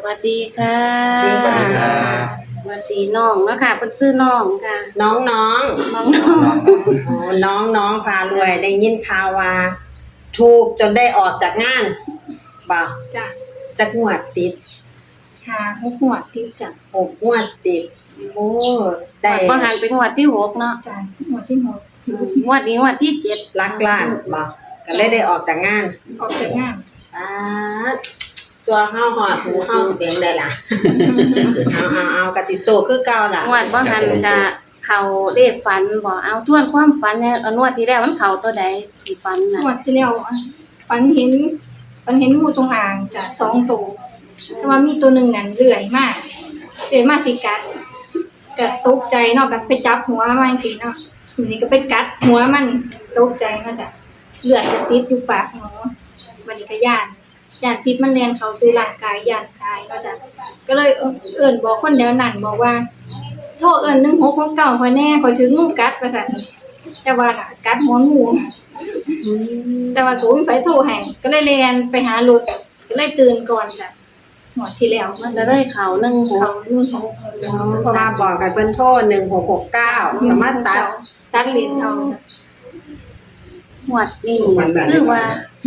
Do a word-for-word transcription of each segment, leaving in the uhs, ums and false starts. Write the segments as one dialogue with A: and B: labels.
A: วัสดีค่ะ
B: สวัสดีครับ
A: สวัสดีน้องเนาะค่ะเพิ่นชื่อน้องค่ะ
C: น้องน้อง
A: น้องน้อง
C: โอ้น้องน้องพารวยได้ยินข่าวว่าถูกจนได้ออกจากงานบ่าว
D: จ้ะ
C: จักงวดติด
D: หาหกหัวติดจ้ะ
C: หกงวดติดโอ้ได้
A: บ่หันเป็นงวดที่หกเนาะ
D: จ้ะหัวที่หก
A: งวดนี้งวดที่เจ็ด
C: ลักล้านบ่าวก็เลยได้ออกจากงาน
D: ออกจากงาน
C: อ่าสัวเฮาหอดหูเฮาสิเป็นได้ล่ะ เอาเอาเอากะสิโซคือเก่าล่ะ
A: งวดบ่หันจะเข้าเลขฝันบ่เอาทวนความฝันเนี่ยเอางวดที่แล้วมันเข้าตัวใดที่ฝันน่ะ
D: หัวที่แล้วฝันเห็นฝันเห็นงูจงอางจ้ะสองตัวแต่ว่ามีตัวหนึ่งนั่นเลื่อยมากเลื่อยมากสิกัดกัดตกใจเนาะกัดไปจับหัวมันสิเนาะทีนี้ก็ไปกัดหัวมันตกใจเนาะจ้ะเลือดจะติดอยู่ปากหมอวันนี้ก็ย่านย่านพิษมันแล่นเข้าสู่ร่างกายย่านตายเนาะจ้ะก็เลยเอิ้นเอิ้นบอกคนแถวนั้นบอกว่า โทรเอิ้นหนึ่งหกหกเก้าข่อยแน่ข่อยถึงงูกัดว่าซั่นแต่ว่าน่ะกัดหัวงูแต่ว่ากูไปโทรให้ก็เลยเรียนไปหารถก็เลยตื่นก่อนจ้ะหมดที่แล้ว
A: มั
D: มัน น
A: จะได้เข้าหนึ่งห
D: เขา
A: ก
D: นู่นเขา
C: เพราะว่าบอกให้เพิ่นโทรหนึ่งหกหกเก้าสามารถตัด
D: ตัดลิ้นเอา
A: งวดนี้คือว่า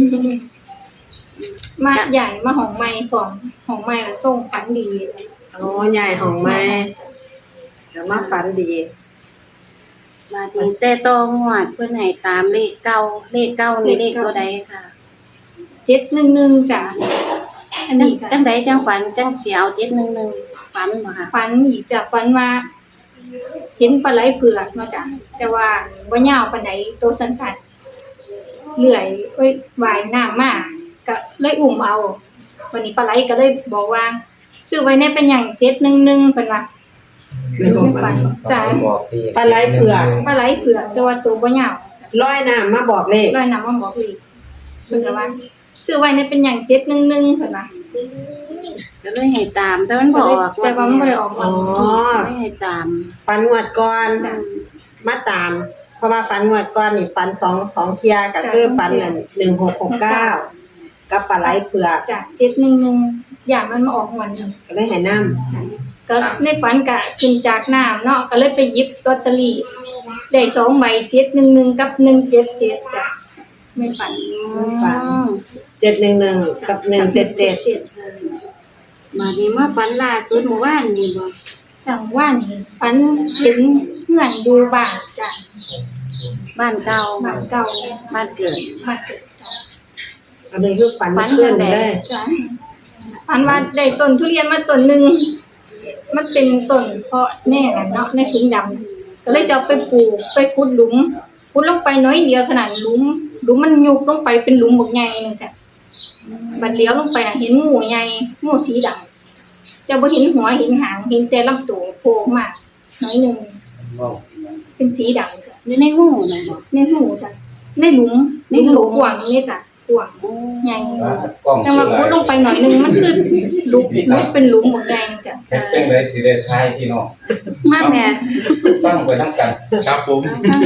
D: มาใหญ่มาห้องใหม่ก่อนห้องใหม่แล้วส่งฝันดี
C: โอ้ใหญ่ของแม่จะมาฝันดี
A: มาถึงแต่ตองวดเพิ่นให้ตามเลขเก้าเลขเก้านี่เลขตัวใดค่ะ
D: เจ็ดหนึ่งหนึ่งจ้ะอัน
A: จัง
D: นี้ก็
A: จังใดจังฝันจังสิเอาเจ็ดหนึ่งหนึ่งฝันบ่ค่ะ
D: ฝันอีกจ้ะฝันว่าเห็นปลาไหลเผือกเนาะจ้ะแต่ว่าบ่ยาวปานใดโตสั้นๆเลื่อยเอ้ยว่ายน้ำมาก็เลยอุ้มเอาวันนี้ปลาไหลก็เลยบอกว่าซื้อไว้ในเป็นหยังเจ็ดหนึ่งหนึ่งเพิ่นว่า ไม่ฝันจ้ะ
C: ปลาไหลเผือก
D: ปลาไหลเผือกแต่ว่าตัวบ่ยาว
C: ลอยน้ำมาบอกเลข
D: ลอยน้ำมาบอกอีกเพิ่นก็ว่าซื้อไว้ในเป็นหยังเจ็ดหนึ่งหนึ่งเพิ่นว่า
A: ก็เลยให้ตามแต่มันบ่ออก
D: แต่ว่ามันบ่ได้ออก
C: อ๋
D: มา
C: อ
A: ไม่ให้ตาม
C: ฝันงวดก่อน
D: จ้ะ
C: มาตาม เพราะว่าฝันงวดก่อนนี่ฝันสองสองเทียก็คือฝันนั่นหนึ่งหกหกเก้ากับปลาไหลเผือก
D: จ้ะเจ็ดหนึ่งหนึ่งอย่างมันมาออกหวนหนึ่ง
C: ก็เลยให้น้
D: ก็ในฝันก็ขึ้นจากน้ำเนาะก็เลยไปหยิบลอตเตอรี่ได้สองใบเจ็ดหนึ่งหนึ่งกับหนึ่งเจ็ดเจ็ดจ้ะในฝัน
A: ฝัน
C: ำเจ็ดหนึ่งหนึ่งกับหนึ่งเจ็ดเจ็ด
A: มาดีมาฝันล่าสุดเมื่อวานนี่บ่
D: จังว่านี่ฝันเห็นเพื่อนดูบ้านจ้ะ
A: บ้านเก่า
D: บ้านเก่า
A: บ้านเกิด
D: บ้านเกิดจ้ะ
C: อันนี้คือฝัน
A: ฝัน
C: ขึ้น
A: จังใด
C: เลย
D: จ้ะฝันว่าได้ต้นทุเรียนมาต้นหนึ่งมันเป็นต้นเพาะแน่น่ะเนาะในถุงดำก็เลยจะเอาไปปลูกไปขุดหลุมขุดลงไปน้อยเดียวขนาดหลุมหลุมมันยุบลงไปเป็นหลุมบักใหญ่นึงจ้ะบัดเลี้ยวลงไปอะเห็นงูใหญ่งูสีดำแต่บ่เห็นหัวเห็นหางเห็นแต่ลำตัวโผล่มาน้อยหนึงเป็นสีดำจ้ะ
A: อยู่ในหูน่ะบ่
D: ในหูจ้ะในหลุมในหลุมกว้างนี่จ้ะกว้างใหญ่ แต่ว่าขุดลงไปหน่อยหนึงมันคือหลุมลุกเป็นหลุมหมดแดงจ้ะ
B: เฮ็ดจังได๋สิได้ทายพี่น้อง
A: มาแม่
B: ฟังไปนำกันครับผม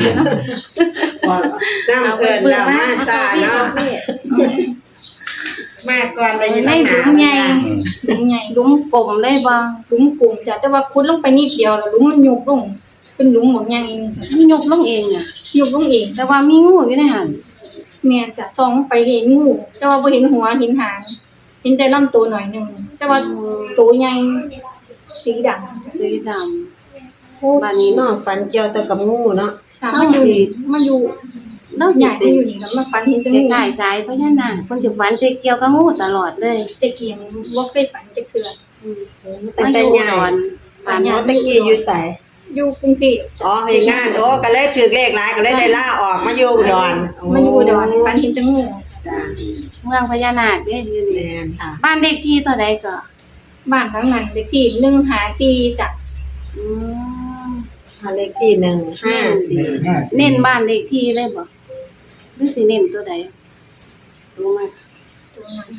C: น้ำเกินน้ำมาซาเนาะมาก่อนเลย
A: ในหลุมใหญ่
D: หลุมใหญ่
A: หลุมกลมเลยบ่
D: หลุมกลุ่มจ้ะแต่ว่าขุดลงไปนิดเดียวแล้วหลุมมันยุบลงเป็นหลุมหมดใหญ่นึงจ้ะ
A: มันยกลงเองอ่ะ
D: ยุบลงเอง
A: แต่ว่ามีงูอยู่ในหัน
D: แม่นจ้ะส่องไปเห็นงูแต่ว่าบ่เห็นหัวเห็นหางเห็นแต่ลำตัวหน่อยหนึงแต่ว่าตัวใหญ่สีดำจ้ะ
A: สีดำ
C: บ้านนี้น้องฝันเกี่ยวแต่กับงูเนาะ
D: ค่ะมันอยู่นี่มันอยู่
A: เรา
D: ให
A: สิ
D: ญ่
A: เป็
D: มัน นอยู่นี่แล้วมันฝันเห็นแต่
A: ค
D: งู
A: ล้ายๆสายพญานาคเพิ่นสิฝันแต่เกี่ยวกับงูตลอดเลย
D: แต่เกียงบ่เคยฝันจะเทื่อ
A: อืม
C: แต่
A: มาอ
C: แต่
A: ยู่
C: ใหญ่
A: ก่อนฝัน
C: อ๋อตะกี้อยู่ใส่
D: อยู่กรุงเทพ
C: อ๋อเฮ็ดงานโอ้ก็เลยถือเลขหลายก็เลยได้ล่าออกมาอยู่อุดร
D: มาอยู่อุดรฝันเห็นแต่งู
C: จ้ะ
A: เมืองพญานาคเด้อยู่นี่
C: แม่นค่ะ
A: บ้านเลขที่เท่าใดก็
D: บ้านหลังนั้นเลขที่หนึ่งห้าสี่จ้ะ
A: อืม
C: บ้านเลขที่หนึ่งห้าสี่
A: เน้นบ้านเลขที่เลยบ่หรือสิเน้นตัวใดรู้มั้ย
D: ตรงนั้น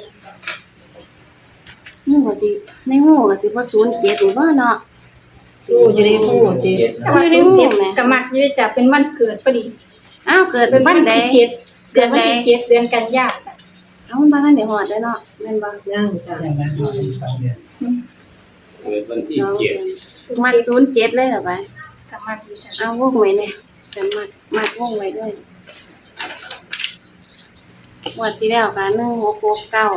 A: งูก็สิในงูก็สิบ่ศูนย์เจ็ดนี่บ่เนาะ
C: งูอยู่ในหูจิ
D: แต่ว่า
A: ไม่
D: จุ
A: ได้
D: ด
A: หู
D: เจ็ด
A: ไหม
D: ก็มักอยู่จ้ะเป็นวันเกิดพอดี
A: อ้าวเกิด
D: เป็น
A: วั
D: วัน น
A: ใด
D: ที่เจ็ดเดือนวันที่เจ็ดเดือนกันยายนจ้ะ
A: อเอามันบ่ทันได้ฮอดเด้อเนาะแม่นบ่
C: ย่างจ้ะ
E: อย่างนั้นอีกสองเดือน
B: เกิดวันที่
A: สอง
B: เจ็ด
A: ดือนมัดศูนย์เจ็ดเลยเหรอไป
D: กลับมาดีจ้ะ
A: เอาวงไว้เนี่ยจะมัดมัดวงไว้ด้วยงวดที่แล้วกันหนึ่งหกหกเก้า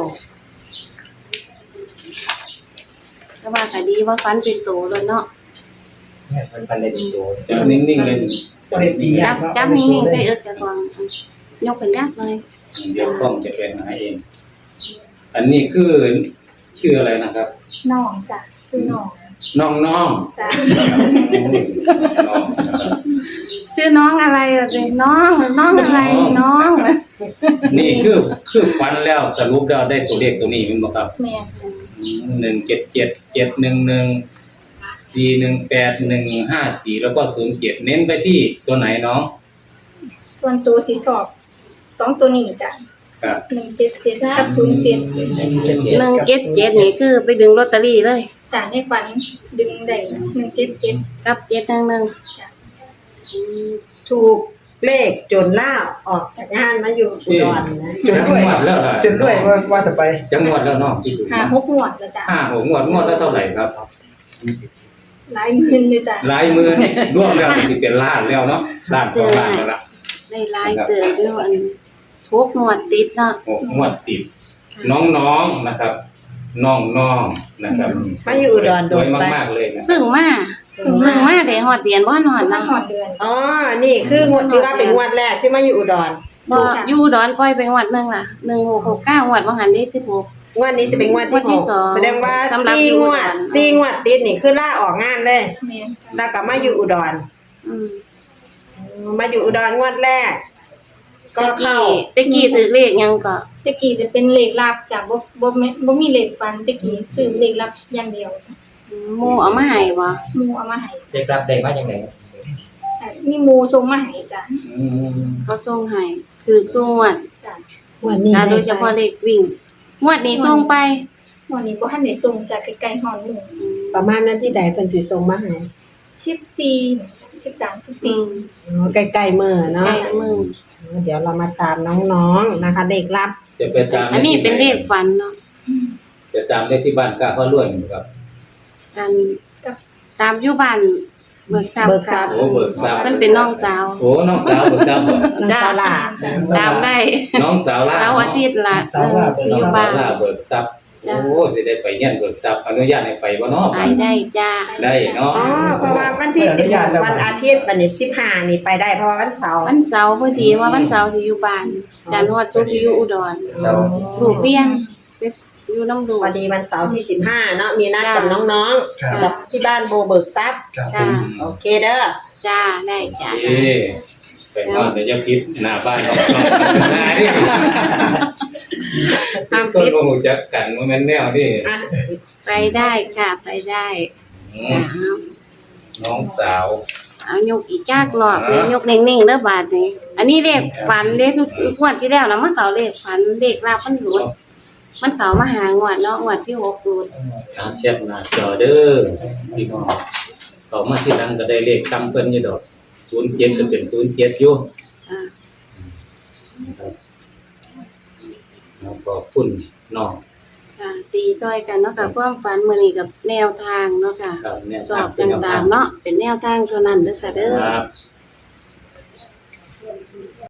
A: ก็ว่าก็ดีว่าฟันเป็นโตเลยเนาะ
E: เนี่ยมันพันได้ตัว
B: จะนิ่งๆเลย
E: ก็ได้ปี
A: จับจับนิ่งๆใส่เอิดจะกองยกเป็นยักษ์เลย
B: เดี๋ยวกล้องจะเป็นหาเอง อันนี้คือชื่ออะไรนะครับ
D: น้องจ้ะชื่อน้อง
B: น้องน้อง
D: จ้ะ
B: น้องนะครับ
A: ชื่อน้องอะไรล่ะสิน้องน้องอะไรน้อง
B: นี่คือคือฟันแล้วสรุปแล้วได้ตัวเลขตัวนี้มั้ยบ่ครับ
D: แม่
B: หนึ่งเจ็ดเจ็ดเจ็ดหนึ่งหนึ่งสี่หนึ่งแปดหนึ่งห้าสี่แล้วก็ศูนย์เจ็ดเน้นไปที่ตัวไหนน้อง
D: ส่วนตัวสีชอบสองตัวนี้จ้ะ
B: ครับ
D: หนึ่งเจ็ดเจ็ดกับศูนย์เจ็ด
E: หนึ่งเจ็ด
A: หนึ่งเจ็ดเจ็ดนี่คือไปดึงลอตเตอรี่เลย
D: จ้ะในฝันดึงได้หนึ่งเจ็ดเจ็ด
A: กับเจ็ดหนึ่งหนึ่ง
D: จ้ะ
C: ถูกเลขจนล่าออกจากงานมาอยู่อุดรนะ
E: จนด้วย
B: จังหวัดแล้วล่ะ
E: จนด้วยว่าว่าจะไป
B: จังหวัดแล้วเน้องที่ถูก
D: หาหกงวดแล้วจ้ะ
B: ห้าหกงวดงวดแล้วเท่าไหร่ครับ
D: หลายหมื่นเลยจ้ะ
B: หลายหมื่นรวมแล้วสิเป็นล้านแล้วเนาะล้านสองล้านแล้วล่ะ
A: ได้หลายเติมด้วยอันทุกหนวดติดเนาะ
B: หกงวดติดน้องๆนะครับ น้องๆนะครับ
C: มาอยู่อุดร
B: ส
C: โด
B: วย
C: นไป
B: มากๆเลยนะ
A: เพิ่งมาเพิ่งมาได้ฮอดเดือนบ่ฮอด
D: น้ำ
A: นำ
D: หอดเดือน
C: อ๋อ นี่คืองวดที่ว่าเป็นงวดแรกที่มาอยู่อุดร
A: บ่อยู่ดอนปล่อยไปงวดหนึงล่ะหนึ่งหกหกเก้างวดบ่หันได้สิบหก
C: งวดนี้จะเป็นงวด
A: งวดที่
C: ที่หก
A: สอง
C: แสดงว่า
A: สำหรับ
C: สี่
A: อยู่
C: ง
A: อุ
C: ว
A: ด
C: ด
A: ร
C: สี่งวดติดนี่คือล่าออกงานเลย
D: แม่จ้ะ
C: แล้วก็มาอยู่อุดร
A: อืม
C: มาอยู่อุดรงวดแรก ก็เข้า
A: ตะกี้ถือเลขหยังก็
D: ตะกี้จะเป็นเลขลับจ้ะบ่บ่แม่บ่มีเลขฟันตะกี้ซื้อเลขลับอย่างเดียวจ้ะ
A: หมู่เอามาให้บ่
D: หมู่เอามาให้
E: เด็กรับได้มาอย่างไร
D: อ่ะมีหมู่ส่งมาให้จ้ะ
B: อืม
A: เขาส่งให้คือส่งงวด
D: จ้ะ
C: งวดนี้
A: อ่าโดยเฉพาะเลขวิ่งงวดนี้ส่งไป
D: วันนี้บ่ทันได้ส่งจากไกลๆฮอดมื้อ
A: อืม
C: ประมาณนั้นที่ใดเพิ่นสิส่งมาให้
D: สิบสี่ สิบสาม สิบ
A: อื
D: สี่
A: ม
C: อ๋อใกล้ๆมื้อเนาะ
A: ใกล้มือ
C: เดี๋ยวเรามาตามน้องๆนะคะเลขลับ
B: จะไปตาม
A: อันนี้เป็นเลขฝันเนาะ
B: จะตามได้ที่บ้านกล้าพ่อรวยนะครับ
A: กันตามอยู่บ้านเบิกทรัพย์
C: เบิกทรัพย์
B: โอ้เบิกทรัพย์
A: มันเป็นน้องสาว
B: โอ้น้องสาวเบิกทรัพย์บ่
C: น้องสาวลา
D: จ้ะ
A: ตามได้
B: น้องสาวล่า
A: เสาร์อาทิตย์ละเอออยู่
B: สา
A: บ้าน
B: วล่าเบิกทรัพย์
A: จ้ะ
B: โอ้สิได้ไปเยี่ยนเบิกทรัพย์อนุญาตให้ไปบ่เนาะ
A: ไปได้จ้า
B: ได้เนาะ
C: อ๋อเพราะว่าวันที่สิบหกวันอาทิตย์วันนี้สิบห้านี่ไปได้เพราะว่าวันเสาร์
A: วันเสาร์พอดีว่าวันเสาร์สิอยู่บ้านจันทร์ฮอดศุกร์สิอยู่อุดร
E: เช้า
A: ลูกเลี้ยงไปอยู่น้ำดู
C: วันนี้วันเสาร์ที่สิบห้าเนาะมีนัดกับน้อง
E: ครับ
C: ๆกับที่บ้านโบเบิกทรัพย์
E: ครับผ
A: จ้าม
C: โอเคเด้อ
A: จ้าได้จ้า
B: เอ้ไปนอนแต่จะพิษหน้าบ้านของน้องนายนี่
A: ห้าม
B: ต้น
A: ปิด
B: บ่ฮู้จักกันว่าแม่นแนวนี่
C: อ่ะ
A: ไปได้ค่ะไปได้
B: อื
A: จ้าม
B: น้องสาว
A: เอายกอีกจากรอบเลยยกนิ่งๆเด้อบาดนี้อันนี้เลขฝันเลขทุกงวดที่แล้วนะมันเขาเลขฝันเลขลาบมันหลุดมันเขามาหางวดเนาะงวดที่หกหลุด
B: ตามแชทหน้าจอเด้อพี่น้องเขามาที่หลังก็ได้เลขซ้ำเพิ่นอยู่ดอกศูนย์เจ็ดก็เป็นศูนย์เจ็ดอยู่
A: อ่า
B: นะครับแล้วก็คุณน้อง
A: ค่ะตีซอยกันเนาะค่ะความฝันมื้อนี้กับแนวทางเนาะค่ะ
B: ครับเนี่ย
A: สอบต่างๆเนาะเป็นแนวทางเท่านั้นเด้อค่ะเด้อ
B: ครับ